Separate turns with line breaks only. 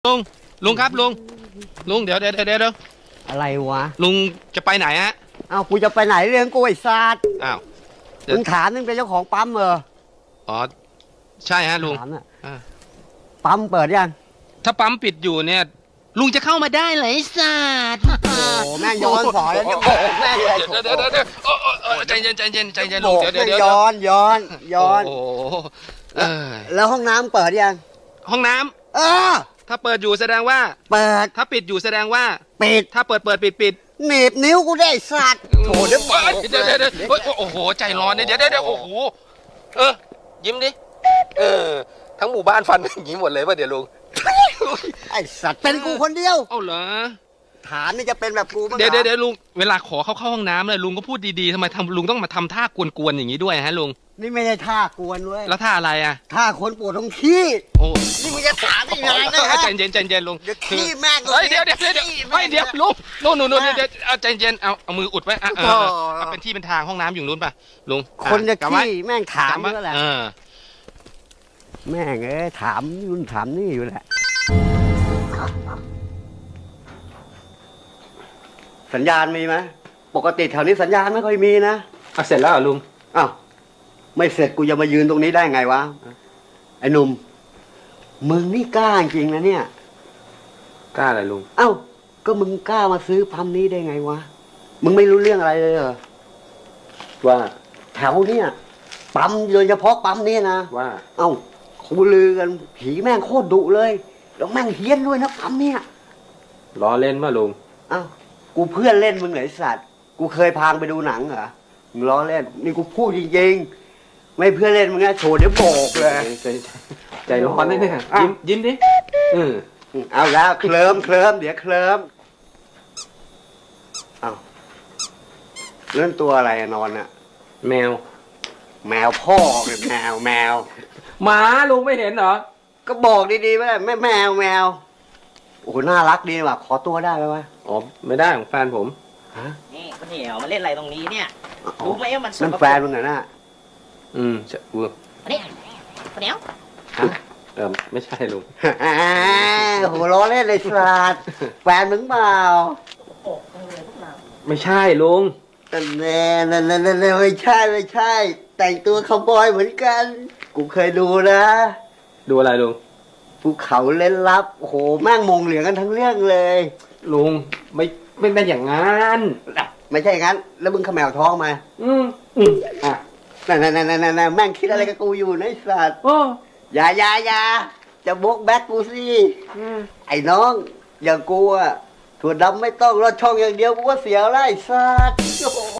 ลุงครับลุงเดี๋ยว
อะไรวะ
ลุงจะไปไหนฮะ
อ้าวกูจะไปไหนเรื่องกูไอ้ซาด
อ้าว
มึงถามนึงเป็นเจ้าของปั๊มเหรอ
อ๋อใช่ฮะลุง
ถามน่ะปั๊มเปิดยัง
ถ้าปั๊มปิดอยู่เนี่ยลุงจะเข้ามาได้เหรอไอ้สัตว์
โอ้แม่งย้อนสอนแล้วจะโบกแม่งเลย
เดี๋ยวใจเย็นลุงเดี๋ยว
ย้อน
โอ้
แล้วห้องน้ำเปิดยัง
ห้องน้ำถ้าเปิดอยู่แสดงว่า
เปิด
ถ้าปิดอยู่แสดงว่า
ปิด
ถ้าเปิดปิด
หนีบนิ้วกูได้สัตว์โถเดี๋ยว
โอ้โหใจร้อนเนี่ยเดี๋ยวโอ้โหยิ้มดิทั้งหมู่บ้านฟันอย่างนี้หมดเลยป่ะเดี๋ยวลุง
ไอ้สัตว์เป็นกูคนเดียว
เอ้าเหรอ
ฐานนี่จะเป็นแบบกูมั้ง
เดี๋ยวลุงเวลาขอเข้าห้องน้ำเลยลุงก็พูดดีๆทำไมลุงต้องมาทำท่ากวนๆอย่างนี้ด้วยฮะลุง
นี่ไม่ใช่ท่ากวนเว้ย
แล้วท่าอะไรอ่ะ
ท่าคนปวดท้องขี้
โอ้
นี่มึงจะถามได้ยังไงนะ
ใจเย็นลุง
เดี๋ยวขี้แม่ง
เดี๋ยวลุงนู่นเดี๋ยวใจเย็นเอามืออุดไว้เป็นที่เป็นทางห้องน้ำอยู่นู้นป่ะลุง
คนจะขี้แม่งถามก็แหละแม่งถามนู่นถามนี่อยู่แหละสัญญาณมีไหมปกติแถวนี้สัญญาณไม่ค่อยมีนะ
เสร็จแล้วลุง
อ้าวไม่เสร็จกูจะมายืนตรงนี้ได้ไงวะไอ้หนุ่มมึงนี่กล้าจริงนะเนี่ย
กล้าอะไรลุง
เอ้าก็มึงกล้ามาซื้อปั๊มนี้ได้ไงวะมึงไม่รู้เรื่องอะไรเลยเหรอว่าแถวเนี้ยปั๊มโดยเฉพาะปั๊มนี้นะ
ว่า
เอ้าเขาลือกันผีแม่งโคตรดุเลยแล้วแม่งเฮี้ยนด้วยนะปั๊มเนี่ย
ล้อเล่นมาลุง
เอ้ากูเพื่อนเล่นมึงไหนสัตว์กูเคยพาไปดูหนังเหรอมึงล้อเล่นนี่กูพูดจริงๆไม่เพื่อนเล่นมึงนะโชว์เดี๋ยวโบกเลย
ใจร้อนเลยเนี่ยยิ้มดิ
เอาแล้วเคลิ้มเดี๋ยวเคลิ้มเอาเรื่องตัวอะไรนอนน่ะ
แมว
พ่อเลยแมว
หมาลุงไม่เห็นเหรอ
ก็บอกดีๆว่าไม่แมวโอ้โหน่ารักดีว่ะขอตัวได้ไหมวะ
อ๋อไม่ได้ของแฟนผม
นี่คนเหี่ยวมาเล่นอะไรตรงนี้เนี่ยรู้ไหมว่ามัน
นั่นแฟนมึงเหรอน่ะ
จะเวิร์ก
คนเหี่ยว
ไม่ใช่ลุง
โหล้อเล่นเลยสัตว์แฟนมึงเปล่า
ไม่ใช่ลุง
นั่นไม่ใช่แต่งตัวคาวบอยเหมือนกันกูเคยดูนะ
ดูอะไรลุง
ภูเขาเล่นลับโอ้โหแม่งมงเหลืองกันทั้งเรื่องเลย
ลุงไม่ได้อย่างงั้น
ไม่ใช่อย่างนั้นแล้วมึงขมแมวท้องมานั่นแม่งคิดอะไรกับกูอยู่นะไอ้สัตว์อย่าจะบกแบ็กกูสิไอ้น้องอย่างกูอะถั่วดำไม่ต้องรอดช่องอย่างเดียวกูก็เสียแล้วไอ้สัตว์